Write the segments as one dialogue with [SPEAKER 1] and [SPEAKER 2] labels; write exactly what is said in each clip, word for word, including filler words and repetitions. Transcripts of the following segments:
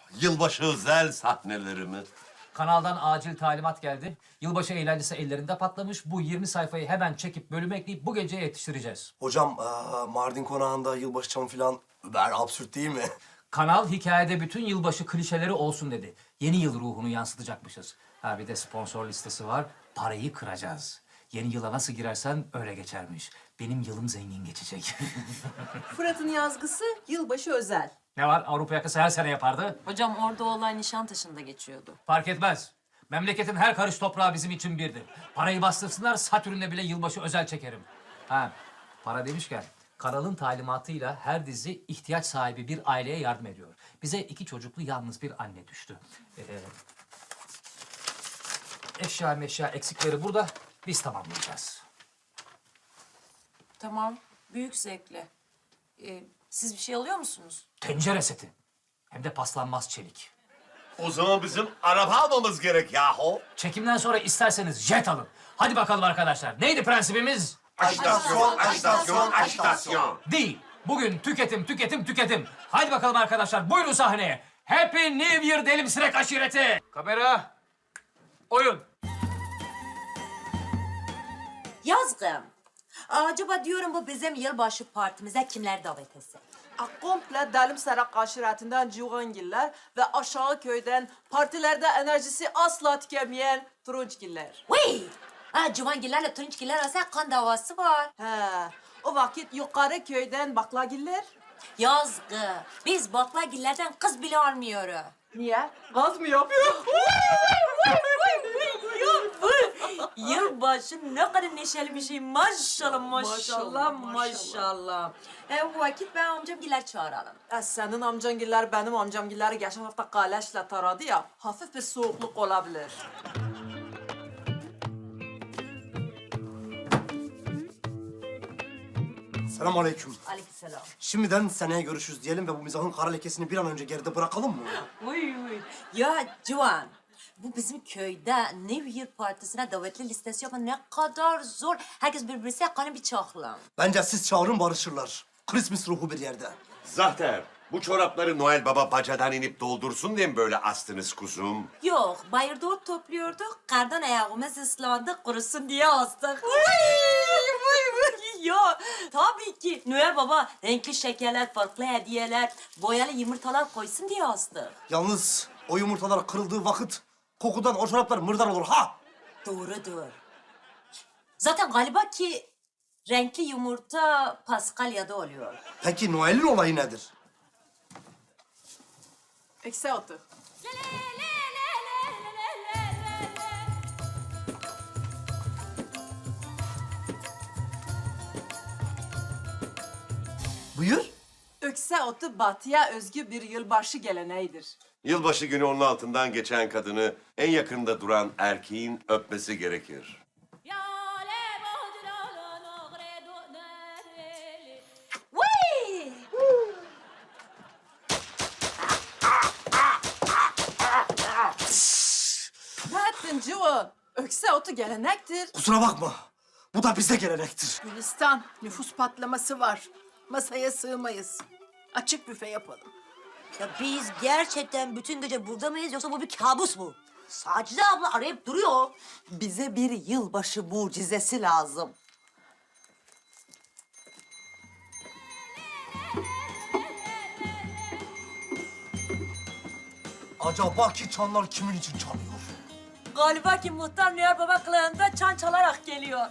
[SPEAKER 1] Yılbaşı özel sahneleri mi?
[SPEAKER 2] Kanaldan acil talimat geldi. Yılbaşı eğlencesi ellerinde patlamış. Bu yirmi sayfayı hemen çekip bölüme ekleyip bu geceye yetiştireceğiz.
[SPEAKER 3] Hocam aa, Mardin konağında yılbaşı çamı falan über absürt değil mi?
[SPEAKER 2] Kanal hikayede bütün yılbaşı klişeleri olsun dedi. Yeni yıl ruhunu yansıtacakmışız. Ha bir de sponsor listesi var. Parayı kıracağız. Yeni yıla nasıl girersen öyle geçermiş. Benim yılım zengin geçecek.
[SPEAKER 4] Fırat'ın yazgısı yılbaşı özel.
[SPEAKER 2] Ne var? Avrupa yakası her sene yapardı.
[SPEAKER 5] Hocam orada olay Nişantaşı'nda geçiyordu.
[SPEAKER 2] Fark etmez. Memleketin her karış toprağı bizim için birdir. Parayı bastırsınlar, Satürn'de bile yılbaşı özel çekerim. Ha, para demişken kanalın talimatıyla her dizi ihtiyaç sahibi bir aileye yardım ediyor. Bize iki çocuklu yalnız bir anne düştü. Ee, eşya meşya eksikleri burada, biz tamamlayacağız.
[SPEAKER 5] Tamam, büyük zevkle. Ee, siz bir şey alıyor musunuz?
[SPEAKER 2] Tencere seti. Hem de paslanmaz çelik.
[SPEAKER 1] O zaman bizim araba almamız gerek yahu.
[SPEAKER 2] Çekimden sonra isterseniz jet alın. Hadi bakalım arkadaşlar. Neydi prensibimiz?
[SPEAKER 1] Ajitasyon, ajitasyon, ajitasyon.
[SPEAKER 2] Değil. Bugün tüketim, tüketim, tüketim. Hadi bakalım arkadaşlar, buyurun sahneye. Happy New Year Delimsirek aşireti. Kamera. Oyun.
[SPEAKER 6] Yazgım. Acaba diyorum bu bizim yılbaşı partimize kimler davet etse?
[SPEAKER 4] Komple Dalim Sarak aşiretinden Civangiller ve aşağı köyden partilerde enerjisi asla tükenmeyen Turunçgiller.
[SPEAKER 6] Vay! Ha, Civangillerle Turunçgiller arasında kan davası var.
[SPEAKER 4] He, o vakit yukarı köyden Baklagiller.
[SPEAKER 6] Yazgı. Biz baklagillerden kız bile almıyoruz.
[SPEAKER 4] Niye? Gaz mı yapıyor?
[SPEAKER 6] Yılbaşı ne kadar neşeli bir şey. Maşallah, maşallah,
[SPEAKER 4] Maşallah,
[SPEAKER 6] maşallah.
[SPEAKER 4] maşallah.
[SPEAKER 6] E, bu vakit ben amcamgiller çağıralım.
[SPEAKER 4] E, senin amcangiller benim amcamgilleri geçen hafta kaleşle taradı ya, hafif bir soğukluk olabilir.
[SPEAKER 3] Selamünaleyküm.
[SPEAKER 6] Aleykümselam.
[SPEAKER 3] Şimdiden seneye görüşürüz diyelim ve bu mizahın kara lekesini bir an önce geride bırakalım mı?
[SPEAKER 6] Uy uy. Ya Civan, bu bizim köyde New Year partisine davetli listesi yapmak ne kadar zor. Herkes birbirine kanı bir çakla.
[SPEAKER 3] Bence siz çağırın barışırlar. Christmas ruhu bir yerde.
[SPEAKER 1] Zaten bu çorapları Noel Baba bacadan inip doldursun diye mi böyle astınız kuzum?
[SPEAKER 6] Yok, bayırda ot topluyorduk. Kardan ayağımız ıslandı, kurusun diye astık. Ya tabii ki Noel Baba renkli şekerler, farklı hediyeler, boyalı yumurtalar koysun diye astık.
[SPEAKER 3] Yalnız o yumurtalar kırıldığı vakit kokudan o çoraplar mırdar olur ha!
[SPEAKER 6] Doğrudur. Zaten galiba ki renkli yumurta Paskalya'da oluyor.
[SPEAKER 3] Peki Noel'in olayı nedir?
[SPEAKER 4] Eksi otu.
[SPEAKER 3] Buyur.
[SPEAKER 4] Ökse otu batıya özgü bir yılbaşı geleneğidir.
[SPEAKER 1] Yılbaşı günü onun altından geçen kadını en yakında duran erkeğin öpmesi gerekir.
[SPEAKER 6] Vay!
[SPEAKER 4] Ne ettin Civan? Ökse otu gelenektir.
[SPEAKER 3] Kusura bakma. Bu da bize gelenektir.
[SPEAKER 7] Gülistan, nüfus patlaması var. Masaya sığmayız. Açık büfe yapalım.
[SPEAKER 6] Ya biz gerçekten bütün gece burada mıyız yoksa bu bir kabus mu? Sacide abla arayıp duruyor.
[SPEAKER 8] Bize bir yılbaşı mucizesi lazım.
[SPEAKER 3] Acaba ki çanlar kimin için çalıyor?
[SPEAKER 6] Galiba ki muhtar Noel Baba kılığında çan çalarak geliyor.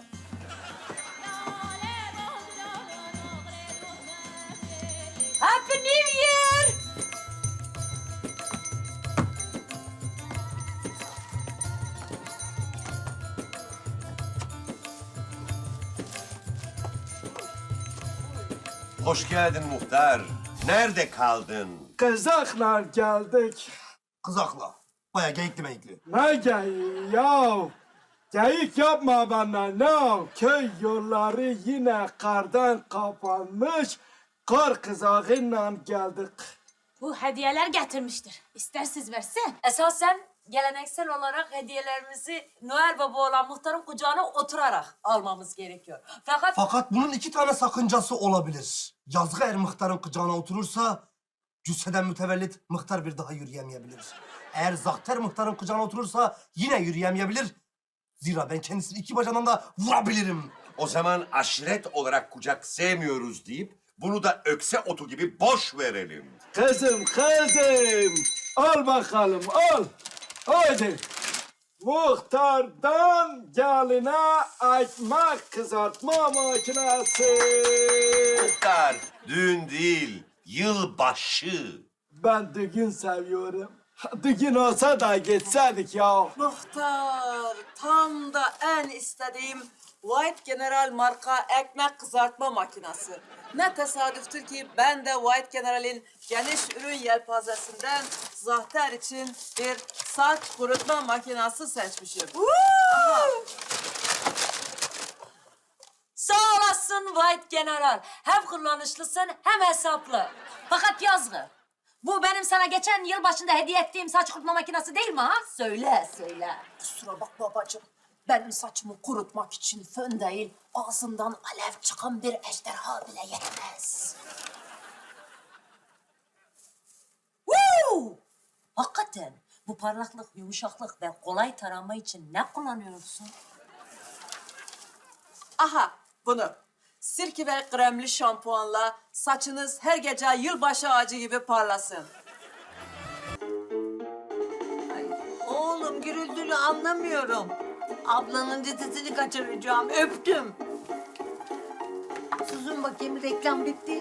[SPEAKER 6] Happy New Year!
[SPEAKER 1] Hoş geldin muhtar. Nerede kaldın?
[SPEAKER 9] Kızaklar geldik.
[SPEAKER 3] Kızakla. Baya geyikli meyikli.
[SPEAKER 9] Ne geyiği ya? Geyik yapma bana ne? Köy yolları yine kardan kapanmış. Kar kızağıyla geldik.
[SPEAKER 5] Bu hediyeler getirmiştir. İstersiz versin.
[SPEAKER 6] Esasen geleneksel olarak hediyelerimizi Noel Baba olan muhtarın kucağına oturarak almamız gerekiyor. Fakat
[SPEAKER 3] Fakat bunun iki tane sakıncası olabilir. Yazgı er muhtarın kucağına oturursa cüsseden mütevellit Mıhtar bir daha yürüyemeyebilir. Eğer Zahter Mıhtar'ın kucağına oturursa yine yürüyemeyebilir. Zira ben kendisini iki bacağından da vurabilirim.
[SPEAKER 1] O zaman aşiret olarak kucak sevmiyoruz deyip bunu da ökse otu gibi boş verelim.
[SPEAKER 9] Kızım, kızım. Al bakalım, al. Haydi. Muhtardan geline ekmek kızartma makinesi.
[SPEAKER 1] Muhtar, düğün değil, yılbaşı.
[SPEAKER 9] Ben düğün seviyorum. Düğün olsa da geçseydik ya.
[SPEAKER 4] Muhtar, tam da en istediğim White General marka ekmek kızartma makinesi. Ne tesadüftür ki ben de White General'in geniş ürün yelpazesinden Zahter için bir saç kurutma makinesi seçmişim. Aha.
[SPEAKER 6] Sağ olasın White General. Hem kullanışlısın hem hesaplı. Fakat yazgı. Bu benim sana geçen yıl başında hediye ettiğim saç kurutma makinesi değil mi ha? Söyle, söyle.
[SPEAKER 7] Kusura bak babacığım. Benim saçımı kurutmak için fön değil, ağzından alev çıkan bir ejderha bile yetmez.
[SPEAKER 6] Woo! Hakikaten bu parlaklık, yumuşaklık ve kolay tarama için ne kullanıyorsun?
[SPEAKER 4] Aha bunu. Sirke ve kremli şampuanla saçınız her gece yılbaşı ağacı gibi parlasın.
[SPEAKER 8] Oğlum gürültülü anlamıyorum. Ablanın cetesini kaçıracağım. Öptüm. Susun bakayım, reklam bitti.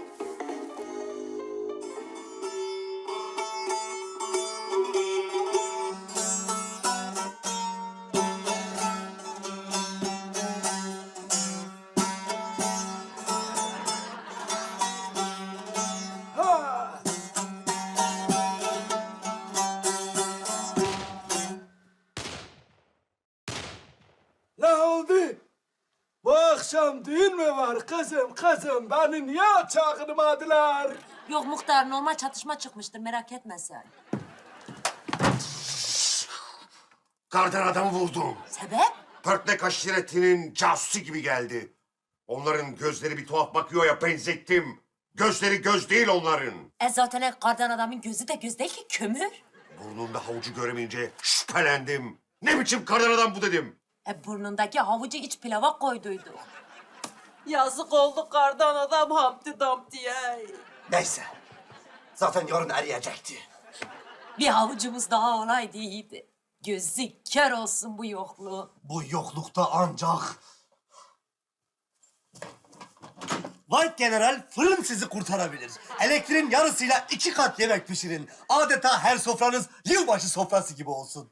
[SPEAKER 9] Ha! Ne oldu? Bu akşam düğün mü var kızım kızım? Beni niye çağırmadılar?
[SPEAKER 6] Yok muhtar, normal çatışma çıkmıştır, merak etme sen.
[SPEAKER 1] Kardan adam vurdum.
[SPEAKER 6] Sebep?
[SPEAKER 1] Pörtlek aşiretinin casusu gibi geldi. Onların gözleri bir tuhaf bakıyor ya, benzettim. Gözleri göz değil onların.
[SPEAKER 6] E zaten kardan adamın gözü de göz değil ki, kömür.
[SPEAKER 1] Burnunda havucu göremeyince şüphelendim. Ne biçim kardan adam bu dedim.
[SPEAKER 6] E burnundaki havucu iç pilava koyduydu.
[SPEAKER 4] Yazık oldu kardan adam Humpty Dumpty'ye.
[SPEAKER 3] Neyse. Zaten yarın eriyecekti.
[SPEAKER 6] Bir havucumuz daha olaydı iyiydi. Gözü kör olsun bu yokluğu.
[SPEAKER 3] Bu yoklukta ancak... White General fırın sizi kurtarabilir. Elektriğin yarısıyla iki kat yemek pişirin. Adeta her sofranız yılbaşı sofrası gibi olsun.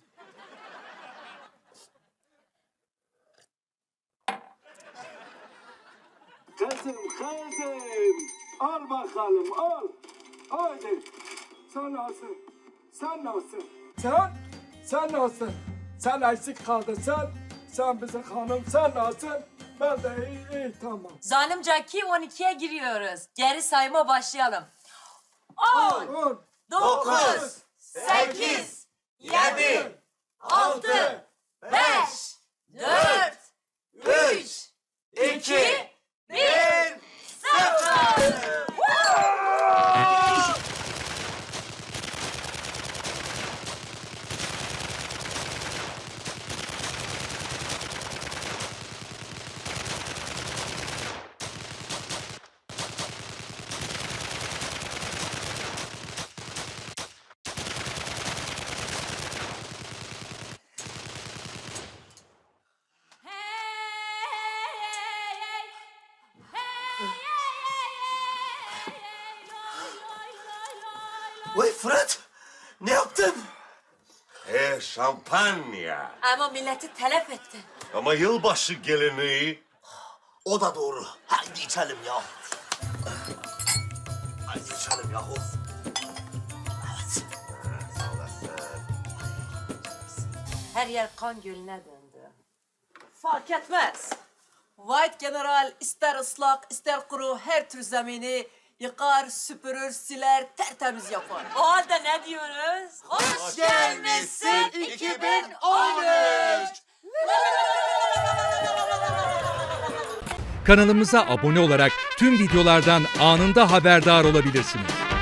[SPEAKER 9] Kızım kızım. Al bakalım al. Haydi. Sen nasılsın? Sen nasılsın? Sen? Sen nasılsın? Sen eksik kaldın sen. Sen bizim hanım. Sen nasılsın? Ben de iyi, iyi tamam.
[SPEAKER 6] Zalimce ki on ikiye giriyoruz. Geri sayma başlayalım. On,
[SPEAKER 9] On,
[SPEAKER 6] dokuz, sekiz, yedi, altı, beş, dört, üç, iki, bir, sıfır.
[SPEAKER 3] Vay Fırat, ne yaptın?
[SPEAKER 1] E şampanya.
[SPEAKER 6] Ama milleti telef etti.
[SPEAKER 1] Ama yılbaşı geleneği.
[SPEAKER 3] O da doğru. Haydi içelim ya. Haydi içelim yahu. Evet.
[SPEAKER 1] Sağ olasın.
[SPEAKER 6] Her yer kan gölüne döndü.
[SPEAKER 4] Fark etmez. White General ister ıslak ister kuru her tür zemini yıkar, süpürür, siler, tertemiz yapar.
[SPEAKER 6] O halde ne diyoruz? Hoş
[SPEAKER 1] gelmişsin
[SPEAKER 6] iki bin on üç.
[SPEAKER 10] Kanalımıza abone olarak tüm videolardan anında haberdar olabilirsiniz.